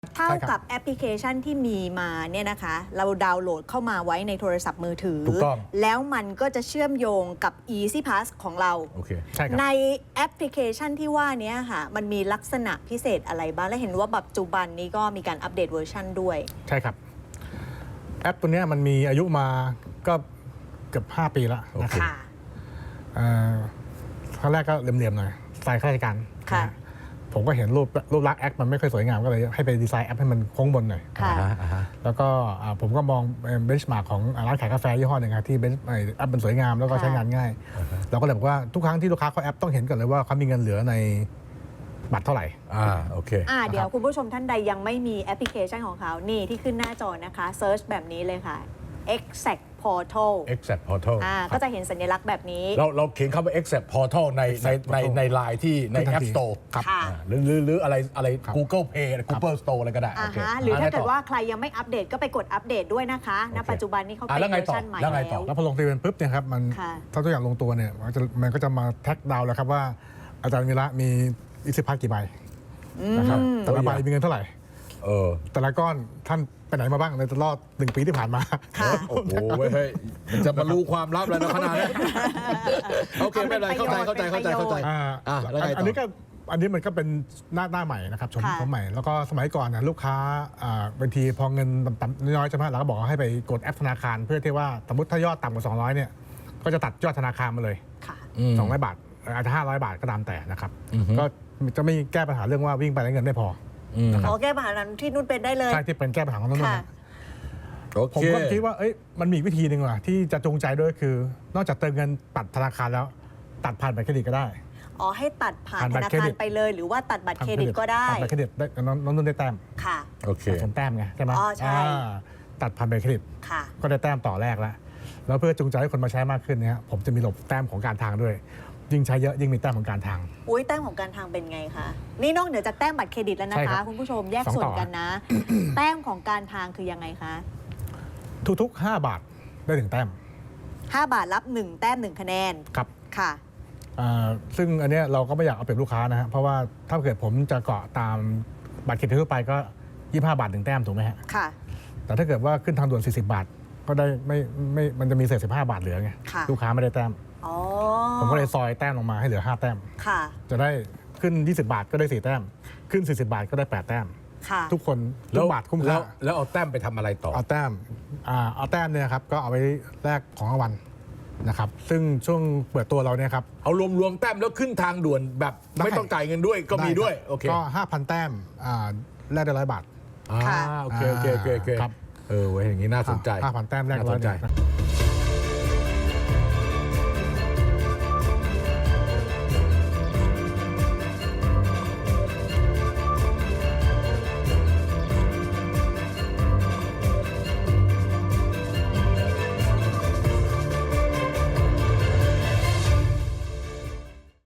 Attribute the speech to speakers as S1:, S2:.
S1: เท่ากับแอปพลิเคชันที่มีมาเนี่ยนะคะเราดาวน์โหลดเข้ามาไว้ในโทรศัพท์มือถือ
S2: ถูกต้อง
S1: แล้วมันก็จะเชื่อมโยงกับ Easy Pass ของเรา
S2: โอเคใช่ครับ
S1: ในแอปพลิเคชันที่ว่านี้ค่ะมันมีลักษณะพิเศษอะไรบ้างและเห็นว่าปัจจุบันนี้ก็มีการอัปเดตเวอร์ชันด้วย
S2: ใช่ครับแอปตัวนี้มันมีอายุมาก็เกือบ5 ปีแล้วนะครับครั้งแรกก็เหลี่ยมๆหน่อยสไตล์ข้าราชการผมก็เห็นรูปลักษณ์แอปมันไม่ค่อยสวยงามก็เลยให้ไปดีไซน์แอปให้มันโค้งบนหน่อยแล้วก็ผมก็มองเบนช์มาร์กของร้านขายกาแฟยี่ห้อหนึ่งครับที่แอปมันสวยงามแล้วก็ใช้งานง่ายเราก็เลยบอกว่าทุกครั้งที่ลูกค้าเข้าแอปต้องเห็นก่อนเลยว่าเขามีเงินเหลือในบัตรเท่าไหร่
S1: โอเคเดี๋ยวคุณผู้ชมท่านใดยังไม่มีแอปพลิเคชันของเขานี่ที่ขึ้นหน้าจอนะคะเซิร์ชแบบนี้เลยค่ะ Exact Portal
S3: Exact Portal
S1: ก็จะเห็นสัญลักษณ์แบบนี้
S3: เราเขียนเข้าไป Exact Portal ในไลน์ที่ใน App Store หรืออะไร Google Play Google Store อะไรก็ได้
S1: หรือถ้าเกิดว่าใครยังไม่อัปเดตก็ไปกดอัปเดตด้วยนะคะณปัจจุบันนี้เขาเป็นเวอร์ชันใหม่
S2: แล้วพอลงทะเบียนปุ๊บเนี่ยครับมันถ้าตัวอย่างลงตัวเนี่ยมันก็จะมาแท็กดาวน์แล้วครับว่าอาจารย์วีระมีEasy Passกี่ใบนะครับแต่ละใบมีเงินเท่าไหร่แต่ละก้อนท่านไปไหนมาบ้างในตลอด1 ปีที่ผ่านมา
S3: โอ้โหเฮ้ยจะมารู้ความลับแล้วนะขนาดนี้โอเคไม่เป็นไรเข้าใจ
S2: อันนี้มันก็เป็นหน้าใหม่นะครับชมใหม่แล้วก็สมัยก่อนนะลูกค้าบางทีพอเงินต่ำน้อยใช่ไหมเราก็บอกให้ไปกดแอปธนาคารเพื่อที่ว่าสมมติถ้ายอดต่ำกว่า200เนี่ยก็จะตัดยอดธนาคารมาเลย200 บาทอาจจะ500 บาทก็ตามแต่นะครับก็จะไม่แก้ปัญหาเรื่องว่าวิ่งไปแล้วเงินไม่พอ
S1: แก้ปัญหานั้นที่นุ่นเป็นได้เลย
S2: ใช่ที่เป็นแก้ปัญหาของนุ่นผมก็คิดว่ามันมีวิธีหนึ่งว่ะที่จะจูงใจด้วยคือนอกจากเติมเงินตัดธนาคารแล้วตัดผ่านบัตรเครดิตก็ได้
S1: ให้ตัดผ่านธนาคารไปเลยหรือว่าตัดบัตรเครดิตก็ได้
S2: ตัดบัตรเครดิตได้น้องนุ่นได้แต้ม
S1: ค่ะ
S2: โอเคสมแต้มไงใช่ไหม
S1: ใช่
S2: ตัดผ่านบัตรเครดิตก็ได้แต้มต่อแรกแล้วเพื่อจูงใจให้คนมาใช้มากขึ้นเนี่ยผมจะมีระบบแต้มของการทางด้วยยิ่งใช้เยอะยิ่งมีแต้มของการทาง
S1: แต้มของการทางเป็นไงคะนี่นอกเหนือจากแต้มบัตรเครดิตแล้วนะคะคุณผู้ชมแยกส่วนกันนะแต้มของการทางคือยังไงคะ
S2: ทุกๆ5 บาทได้1 แต้ม
S1: 5 บาทรับ1 แต้ม1 คะแนน
S2: ครับ
S1: ค่ะ
S2: ซึ่งอันนี้เราก็ไม่อยากเอาเปรียบลูกค้านะฮะเพราะว่าถ้าเกิดผมจะเกาะตามบัตรเครดิตทั่วไปก็25 บาท1 แต้มถูกไหมฮะ
S1: ค่ะ
S2: แต่ถ้าเกิดว่าขึ้นทางด่วน40 บาทก็ได้ไม่มันจะมีเศษ15 บาทเหลือไงลูกค้าไม่ได้แต้มผมก็เลยซอยแต้มลงมาให้เหลือ5 แต้มจะได้ขึ้น20 บาทก็ได้4 แต้มขึ้น40 บาทก็ได้8 แต้มทุกคนทุกบาทคุ้มค่า
S3: แล้วเอาแต้มไปทำอะไรต่อ
S2: เอาแต้มเนี่ยครับก็เอาไว้แลกของรางวัลนะครับซึ่งช่วงเปิดตัวเราเนี่ยครับ
S3: เอารวมแต้มแล้วขึ้นทางด่วนแบบไม่ต้องจ่ายเงินด้วยก็มีด้วยโอเค
S2: ก็ 5,000 แต้มแลกได้100 บาท
S3: โอเคครับเว้ยอย่างนี้น่าสนใจ
S2: 5,000 แต้มแลก100 บาท